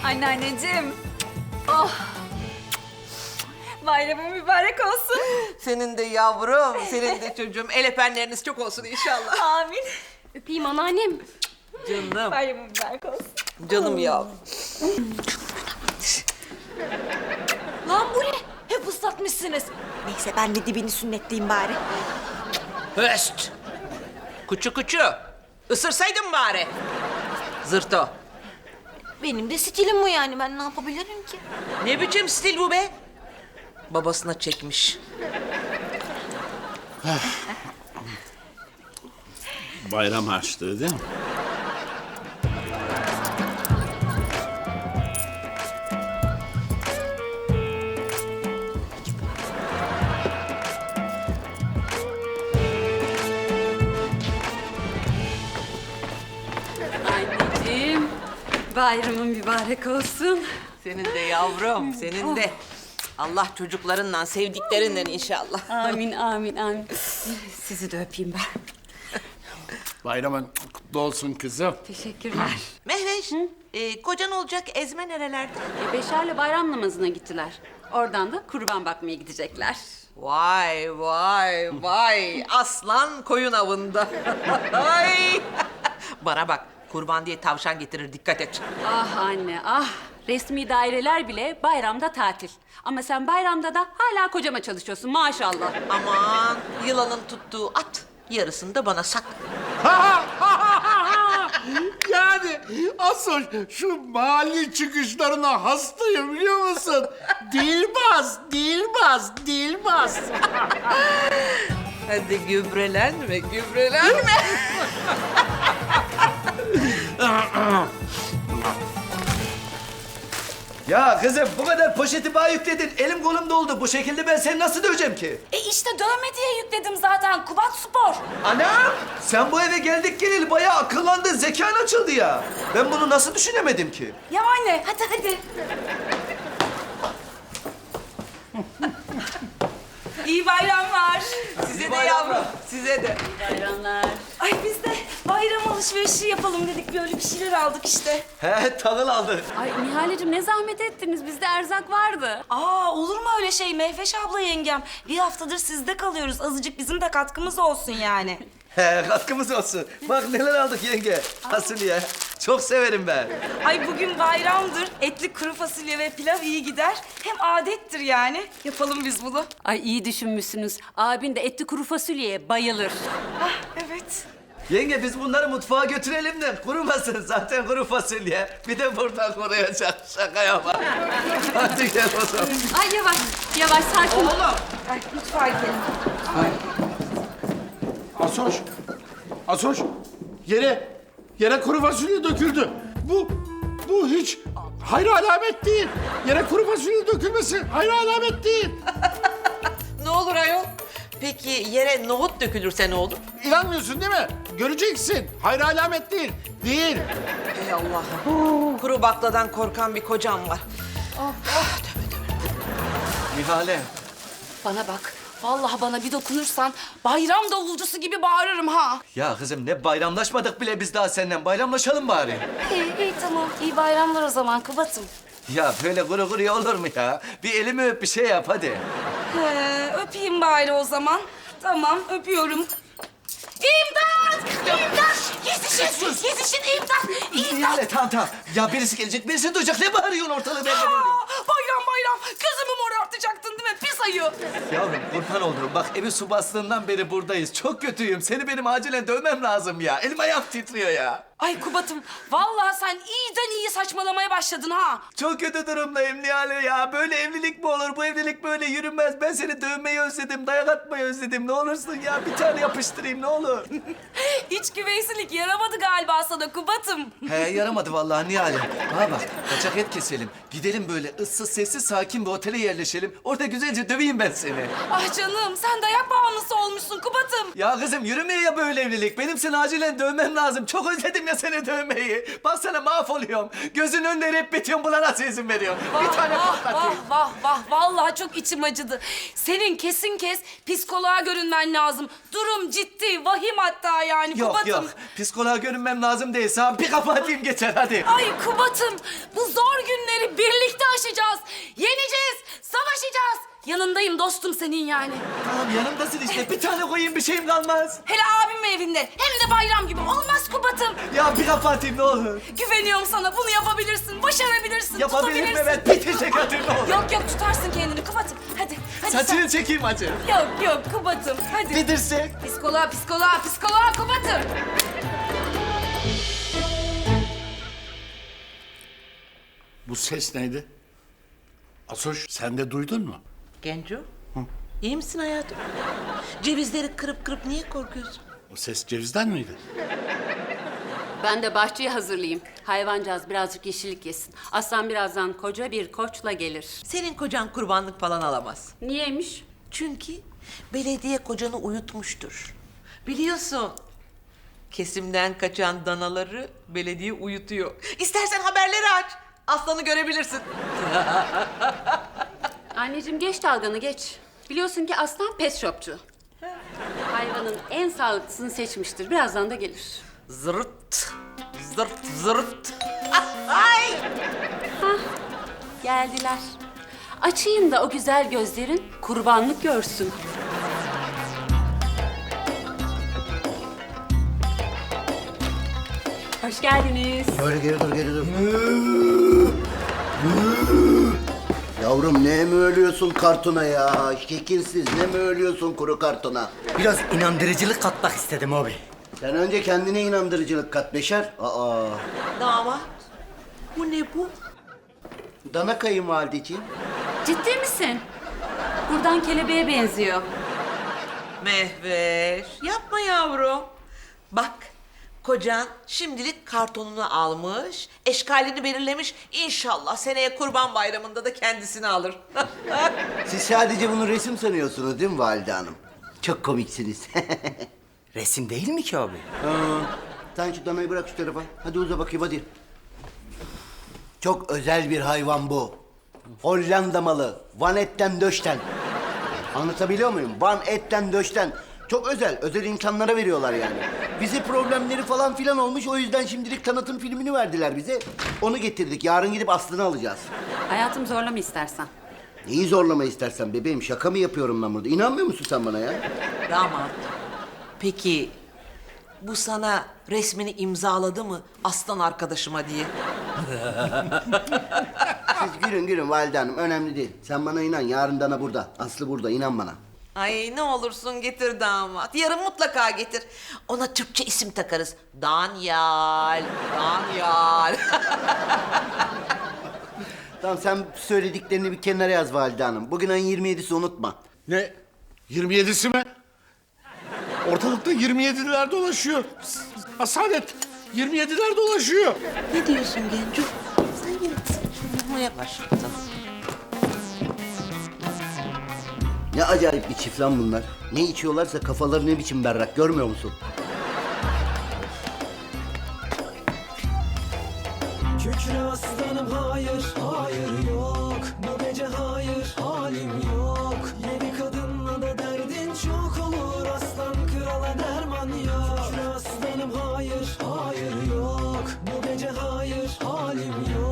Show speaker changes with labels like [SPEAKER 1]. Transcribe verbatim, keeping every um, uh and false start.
[SPEAKER 1] Anneanneciğim. Oh. Bayramın mübarek olsun.
[SPEAKER 2] Senin de yavrum, senin de çocuğum. El öpenleriniz çok olsun inşallah.
[SPEAKER 1] Amin.
[SPEAKER 3] Öpeyim anneannem.
[SPEAKER 2] Canım,
[SPEAKER 1] Bayramın mübarek olsun.
[SPEAKER 2] canım yavrum.
[SPEAKER 1] Lan bu ne? Hep ıslatmışsınız. Neyse ben de dibini sünnetleyeyim bari.
[SPEAKER 2] Höst! Kuçu kuçu, ısırsaydın bari. Zırto.
[SPEAKER 1] Benim de stilim bu yani. Ben ne yapabilirim ki?
[SPEAKER 2] Ne biçim stil bu be? Babasına çekmiş.
[SPEAKER 4] Bayram harçlığı değil mi?
[SPEAKER 3] Anneciğim, bayramın mübarek olsun.
[SPEAKER 2] Senin de yavrum, senin de. Allah çocuklarından, sevdiklerinden inşallah.
[SPEAKER 3] Amin, amin, amin. Sizi de öpeyim ben.
[SPEAKER 4] Bayramın kutlu olsun kızım.
[SPEAKER 3] Teşekkürler.
[SPEAKER 2] Mehveş, e, kocan olacak Ezme nerelerde?
[SPEAKER 3] E, Beşer'le bayram namazına gittiler. Oradan da kurban bakmaya gidecekler.
[SPEAKER 2] Vay vay vay, aslan koyun avında. Ay. Bana bak, kurban diye tavşan getirir, dikkat et.
[SPEAKER 3] Ah anne, ah. Resmi daireler bile bayramda tatil. Ama sen bayramda da hala kocama çalışıyorsun maşallah.
[SPEAKER 2] Aman, yılanın tuttuğu at, yarısını da bana sak.
[SPEAKER 4] Yani asıl şu mali çıkışlarına hastayım biliyor musun? Dilbaz, Dilbaz, Dilbaz.
[SPEAKER 2] Hadi gübrelenme, gübrelenme.
[SPEAKER 5] Ya kızım bu kadar poşeti bana yükledin. Elim kolum doldu. Bu şekilde ben seni nasıl döveceğim ki?
[SPEAKER 1] E işte dövme diye yükledim zaten. Kubat Spor.
[SPEAKER 5] Anam! Sen bu eve geldik geleli bayağı akıllandın. Zekan açıldı ya. Ben bunu nasıl düşünemedim ki?
[SPEAKER 1] Ya anne hadi hadi. İyi bayramlar.
[SPEAKER 2] Size de yavrum, size de.
[SPEAKER 3] Bayramlar.
[SPEAKER 1] Ay biz de bayram alışverişi yapalım dedik. Böyle bir şeyler aldık işte.
[SPEAKER 5] He tağıl aldı.
[SPEAKER 3] Ay Nihal'cim ne zahmet ettiniz. Bizde erzak vardı.
[SPEAKER 6] Aa olur mu öyle şey Mehveş abla yengem? Bir haftadır sizde kalıyoruz. Azıcık bizim de katkımız olsun yani.
[SPEAKER 5] He katkımız olsun. Bak neler aldık yenge. Fasulye. Çok severim ben.
[SPEAKER 6] Ay bugün bayramdır. Etli kuru fasulye ve pilav iyi gider. Hem adettir yani. Yapalım biz bunu.
[SPEAKER 3] Ay iyi düşünmüşsünüz. Abin de etli kuru fasulyeye bayılır.
[SPEAKER 6] Hah evet.
[SPEAKER 5] Yenge biz bunları mutfağa götürelim de kurumasın. Zaten kuru fasulye. Bir de buradan koruyacak. Şaka yapma. Hadi gel o zaman.
[SPEAKER 3] Ay yavaş, yavaş sakin ol.
[SPEAKER 6] Ay mutfağa gidelim.
[SPEAKER 4] Asoş, Asoş. Yere, yere kuru fasulye döküldü. Bu, bu hiç hayra alamet değil. Yere kuru fasulye dökülmesi hayra alamet değil.
[SPEAKER 2] Ne olur ayol? Peki yere nohut dökülürse ne olur?
[SPEAKER 4] İnanmıyorsun değil mi? Göreceksin. Hayra alamet değil. Değil.
[SPEAKER 2] Ey Allah'ım. Kuru bakladan korkan bir kocam var.
[SPEAKER 5] Nihale.
[SPEAKER 6] Bana bak. Vallahi bana bir dokunursan bayram davulcusu gibi bağırırım ha.
[SPEAKER 5] Ya kızım ne bayramlaşmadık bile biz daha senden. Bayramlaşalım bari.
[SPEAKER 6] İyi iyi tamam. İyi bayramlar o zaman Kubat'ım.
[SPEAKER 5] Ya böyle kuru kuruya olur mu ya? Bir elimi öp bir şey yap hadi.
[SPEAKER 6] He, öpeyim bari o zaman. Tamam öpüyorum. İmdat! İmdat! Yetişin! Yetişin imdat! İmdat!
[SPEAKER 5] Nihale tamam tamam. Ya birisi gelecek birisi duyacak. Ne bağırıyorsun ortalığı ben de
[SPEAKER 6] Aa,
[SPEAKER 5] görüyorum.
[SPEAKER 6] bayram bayram! Gözümü morartacaktın değil mi? Pis ayı!
[SPEAKER 5] Yavrum kurban olurum. Bak evi su bastığından beri buradayız. Çok kötüyüm. Seni benim acilen dövmem lazım ya. Elim ayağım titriyor ya.
[SPEAKER 6] Ay Kubat'ım, vallahi sen iyiden iyi saçmalamaya başladın ha.
[SPEAKER 5] Çok kötü durumdayım Nihale ya. Böyle evlilik mi olur? Bu evlilik böyle yürümez. Ben seni dövmeyi özledim. Dayak atmayı özledim. Ne olursun ya. Bir tane yapıştırayım ne olur.
[SPEAKER 6] İç güveysilik yaramadı galiba sana Kubat'ım.
[SPEAKER 5] He yaramadı vallahi Nihale. Bana bak kaçak et keselim. Gidelim böyle ıssız sessiz sakin bir otele yerleşelim. Orada güzelce döveyim ben seni.
[SPEAKER 6] Ah canım, sen dayak bağımlısı olmuşsun Kubat'ım.
[SPEAKER 5] Ya kızım yürümeye ya böyle evlilik. Benim seni acilen dövmem lazım. Çok özledim ya seni dövmeyi. Bak sana mahvoluyorum. Gözünün önünde hep bitiyorum. Buna nasıl izin veriyorsun? Bir tane
[SPEAKER 6] vah,
[SPEAKER 5] patlatayım.
[SPEAKER 6] vah vah vah vallahi çok içim acıdı. Senin kesin kes psikoloğa görünmen lazım. Durum ciddi, vahim hatta yani
[SPEAKER 5] Yok
[SPEAKER 6] Kubat'ım.
[SPEAKER 5] yok. Psikoloğa görünmem lazım değil. Sana bir kapı atayım geçer hadi.
[SPEAKER 6] Ay Kubat'ım bu zor günler yanındayım dostum senin yani.
[SPEAKER 5] Tamam yanımdasın işte. Bir tane koyayım bir şeyim kalmaz.
[SPEAKER 6] Hele abim evinde hem de bayram gibi olmaz Kubat'ım.
[SPEAKER 5] Ya bir kapatayım ne olur.
[SPEAKER 6] Güveniyorum sana bunu yapabilirsin, başarabilirsin,
[SPEAKER 5] Yapabilirim
[SPEAKER 6] tutabilirsin.
[SPEAKER 5] evet. Bir teşekkür ederim ne olur.
[SPEAKER 6] Yok yok tutarsın kendini Kubat'ım. Hadi hadi
[SPEAKER 5] Saçını çekeyim acı.
[SPEAKER 6] sen. Yok yok Kubat'ım hadi.
[SPEAKER 5] Bir dirsek.
[SPEAKER 6] Psikoloğa psikoloğa psikoloğa Kubat'ım.
[SPEAKER 4] Bu ses neydi? Asoş sen de duydun mu?
[SPEAKER 2] Genco, iyi misin hayatım? Cevizleri kırıp kırıp niye korkuyorsun?
[SPEAKER 4] O ses cevizden miydi?
[SPEAKER 3] Ben de bahçeyi hazırlayayım. Hayvancağız birazcık yeşillik yesin. Aslan birazdan koca bir koçla gelir.
[SPEAKER 2] Senin kocan kurbanlık falan alamaz.
[SPEAKER 3] Niyeymiş?
[SPEAKER 2] Çünkü belediye kocanı uyutmuştur. Biliyorsun, kesimden kaçan danaları belediye uyutuyor. İstersen haberleri aç, aslanı görebilirsin.
[SPEAKER 3] Anneciğim geç dalganı geç. Biliyorsun ki aslan pet shopçu. Hayvanın en sağlıklısını seçmiştir. Birazdan da gelir.
[SPEAKER 2] Zırt, zırt, zırt. Ay!
[SPEAKER 3] Geldiler. Açayım da o güzel gözlerin kurbanlık görsün. Hoş geldiniz.
[SPEAKER 7] Böyle geri dur, geri dur. Yavrum ne mi ölüyorsun kartona ya? Şekilsiz ne mi ölüyorsun kuru kartona?
[SPEAKER 8] Biraz inandırıcılık katmak istedim abi.
[SPEAKER 7] Sen önce kendine inandırıcılık kat Beşer. Aa,
[SPEAKER 2] Damat, bu ne bu?
[SPEAKER 7] dana kayınvalideciğim.
[SPEAKER 3] Ciddi misin? Buradan kelebeğe benziyor.
[SPEAKER 2] Mehveş, yapma yavrum. Bak, kocan şimdilik kartonunu almış, eşkalini belirlemiş. İnşallah seneye Kurban Bayramı'nda da kendisini alır.
[SPEAKER 7] Siz sadece bunu resim sanıyorsunuz değil mi valide hanım? Çok komiksiniz.
[SPEAKER 8] Resim değil mi ki abi?
[SPEAKER 7] Ha, sen şu danayı bırak şu tarafa. Hadi uza bakayım hadi. Çok özel bir hayvan bu. Hollanda malı. Van etten döşten. Anlatabiliyor muyum? Van etten döşten. Çok özel. Özel insanlara veriyorlar yani. Bize problemleri falan filan olmuş. O yüzden şimdilik tanıtım filmini verdiler bize. Onu getirdik. Yarın gidip aslını alacağız.
[SPEAKER 3] Hayatım zorlama istersen.
[SPEAKER 7] Neyi zorlama istersen bebeğim. Şaka mı yapıyorum ben burada? İnanmıyor musun sen bana ya?
[SPEAKER 2] Damat, peki bu sana resmini imzaladı mı aslan arkadaşıma diye?
[SPEAKER 7] Siz gülün gülün valide hanım. Önemli değil. Sen bana inan. Yarın dana burada. Aslı burada. İnan bana.
[SPEAKER 2] Ay ne olursun getir damat. Yarın mutlaka getir. Ona Türkçe isim takarız. Danyal, Danyal.
[SPEAKER 7] Tamam sen söylediklerini bir kenara yaz valide hanım. Bugün ayın yirmi yedisi unutma.
[SPEAKER 4] Ne? yirmi yedisi mi? Ortalıkta yirmi yediler dolaşıyor. Asalet, yirmi yediler dolaşıyor.
[SPEAKER 2] Ne diyorsun Genco? Sen yine kızmaya başladın.
[SPEAKER 7] Ne acayip bir çift lan bunlar. Ne içiyorlarsa kafaları ne biçim berrak görmüyor musun?
[SPEAKER 9] Kükre aslanım hayır, hayır yok. Bu gece hayır, halim yok. Yedi kadınla da derdin çok olur. Aslan krala derman yok. Kükre aslanım hayır, hayır yok. Bu gece hayır, halim yok.